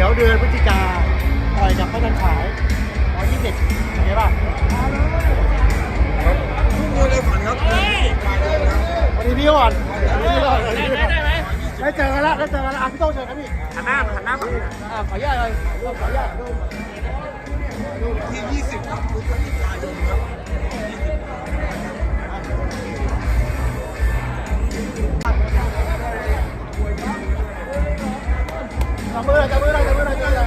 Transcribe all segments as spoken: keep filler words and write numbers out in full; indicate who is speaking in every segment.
Speaker 1: ยวเดือนพฤศจิกาต่อยกับพระจันทร์ฉายร้อยยี่สิบโอเคป่ะ
Speaker 2: ทุกมวยในฝันครับมาเลยนะ
Speaker 1: วันนี้พี่ก่อนวันนี้พี่ก่อนได้เจอกันแล้วได้เจอกันแล้วอ่ะพี่โต้งเชิญครับพี่
Speaker 3: หันหน้าหันหน้าฝั่งนี้
Speaker 1: อ่ะขออนุญาตเลยขออนุญาตดู
Speaker 2: ที่ยี่สิบครับพฤศจิกายนครับ
Speaker 1: จับมือจับมือจับมือจับมือจับมือ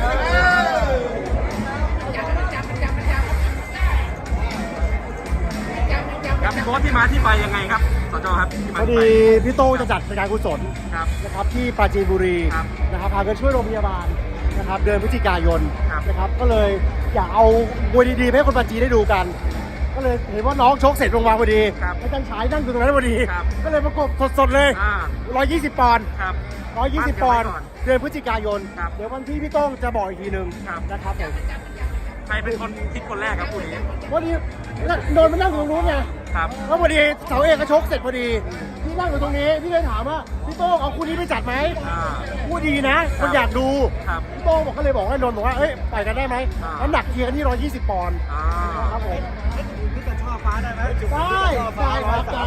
Speaker 3: ครับโค้ชที่มาที่ไปยังไงครับสจครับที่
Speaker 1: พ
Speaker 3: มา
Speaker 1: อ
Speaker 3: ที่
Speaker 1: ดี
Speaker 3: ไป
Speaker 1: พี่โต้งจะจัดรายการกุศล
Speaker 3: ครับ
Speaker 1: นะครับที่ปราจีนบุรี
Speaker 3: ครับ
Speaker 1: นะครับพากันช่วยโรงพยาบาลนะครับเดือนพฤศจิกายน
Speaker 3: ครับ
Speaker 1: นะครับก็เลยอยากเอามวยดีๆให้คนปราจีนได้ดูกัน ก็เลยเห็นว่าน้องชกเสร็จลงมาพอดี
Speaker 3: ครับ
Speaker 1: อาจารย์ฉายนั่งอยู่ตรงนั้นพอดี
Speaker 3: ครับ
Speaker 1: ก็เลยประกบสดๆเลย
Speaker 3: อ่า
Speaker 1: หนึ่งร้อยยี่สิบปอนด์
Speaker 3: ครับ
Speaker 1: หนึ่งร้อยยี่สิบปอนด์
Speaker 3: มั่นกันไว้ก่อน
Speaker 1: เดือนพฤศจิกายน
Speaker 3: ครับ
Speaker 1: เดี๋ยววันที่พี่โต้งจะบอกอีกทีหนึ่ง
Speaker 3: ครับ
Speaker 1: นะครับผม
Speaker 3: ใครเป็นคนคิดคนแรกครับคู่นี้
Speaker 1: พอดีโดนมานั่งอยู่ตรงนู้นไง
Speaker 3: ครับ
Speaker 1: แล้วพอดีเสาเอกก็ชกเสร็จพอดีพี่นั่งอยู่ตรงนี้พี่เลยถามว่าพี่โต้งเอาคู่นี้ไปจัดไหม
Speaker 3: อ่า
Speaker 1: คู่ดีนะคนอยากดู
Speaker 3: ครับ
Speaker 1: พี่โต้งบอกก็เลยบอกให้นนท์บอกว่าเอ้ยไปกันได้ไหม
Speaker 3: อ่า
Speaker 1: น้ำหนักเทียร์กันที่หนึ่งร้อยยี่สิบปอนด์
Speaker 3: อ่า
Speaker 1: ครับผม
Speaker 2: พี่จะช่อฟ้าได้ไหม
Speaker 1: ได้ได้ครับได้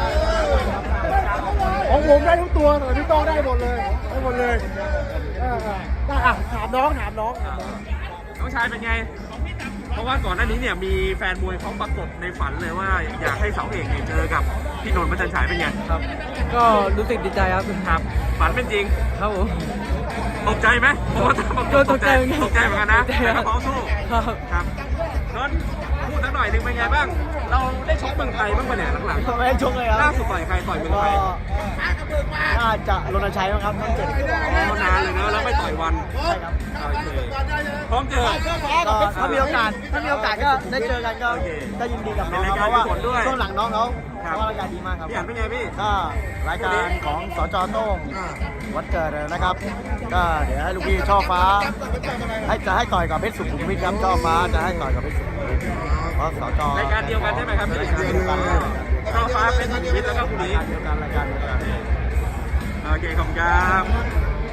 Speaker 1: ของผมได้ทุกตัวแต่พี่โต้งได้หมดเลยได้หมดเลยเออได้อ่ะถามน้องถามน้อง
Speaker 3: อ่าน้องชายเป็นไง เพราะว่าก่อนหน้านี้เนี่ยมีแฟนมวยเขาปรากฏในฝันเลยว่าอยากให้เสาเอกเนี่ยเจอกับพี่นนท์พระจันทร์ฉายเป็นไง
Speaker 4: ครับ ก็รู้สึกดีใจครับ
Speaker 3: ครับฝันเป็นจริง
Speaker 4: ครับผม
Speaker 3: ตกใจไหมผมว่า
Speaker 4: ตกใจเหมือนกัน
Speaker 3: ตกใจเหมือนกันนะ
Speaker 4: ตกใจ
Speaker 3: แต่
Speaker 4: ครั
Speaker 3: ก็
Speaker 4: บ
Speaker 3: พร้อมสู้
Speaker 4: ครับ
Speaker 3: ครับนนท์พูดสักหน่อยหนึงเป็นไงบ้าง เราได้ชกเมืองไทยบ้างปะเนี่ยหลัง
Speaker 1: ไม่ได้ชกเลยค
Speaker 3: ๆล่า
Speaker 1: รับ
Speaker 3: สุดต่อยใครต่อยเมืองไทย
Speaker 1: น่าจะรณชัยมั้งครับท่านเจ็ด
Speaker 3: อ๋อนานเลยนะแล้วไม่ต่อยวัน
Speaker 1: ใช่ครับ
Speaker 3: โอเคพร้อมเจอ
Speaker 1: ก็ถ้ามีโอกาสถ้ามีโอกาสก็ได้เจอกันก็
Speaker 3: โอเค
Speaker 1: ก็ยินดีกับน้อง
Speaker 3: เป็น
Speaker 1: ค
Speaker 3: รา
Speaker 1: รับ
Speaker 3: ย
Speaker 1: เพ
Speaker 3: การ
Speaker 1: ราะว่า
Speaker 3: กุศลด้วย
Speaker 1: ช่วงหลังน้องเขา
Speaker 3: ครับ
Speaker 1: เพราะว่ารายการดีมากครับ
Speaker 3: พี่อันเป็นไงพี่
Speaker 1: ก็รายการของสจโต้งวัดเกิดนะครับ ก็เดี๋ยวให้ลูกพี่ช่อฟ้า ให้จะให้ต่อยกับเพชรสุขุมวิทครับช่อฟ้าจะให้ต่อยกับเพชรสุขุมวิทเพราะสจ
Speaker 3: รายการเดียวกันใช่ไหมครับ
Speaker 1: รายการเดียวกันเลย
Speaker 3: ช่อฟ้าเป็นสุขุมวิทแล้วก็คุณนี้
Speaker 1: รายการเดียวกันรายการเดียวกัน
Speaker 3: โอเคขอบคุณครับ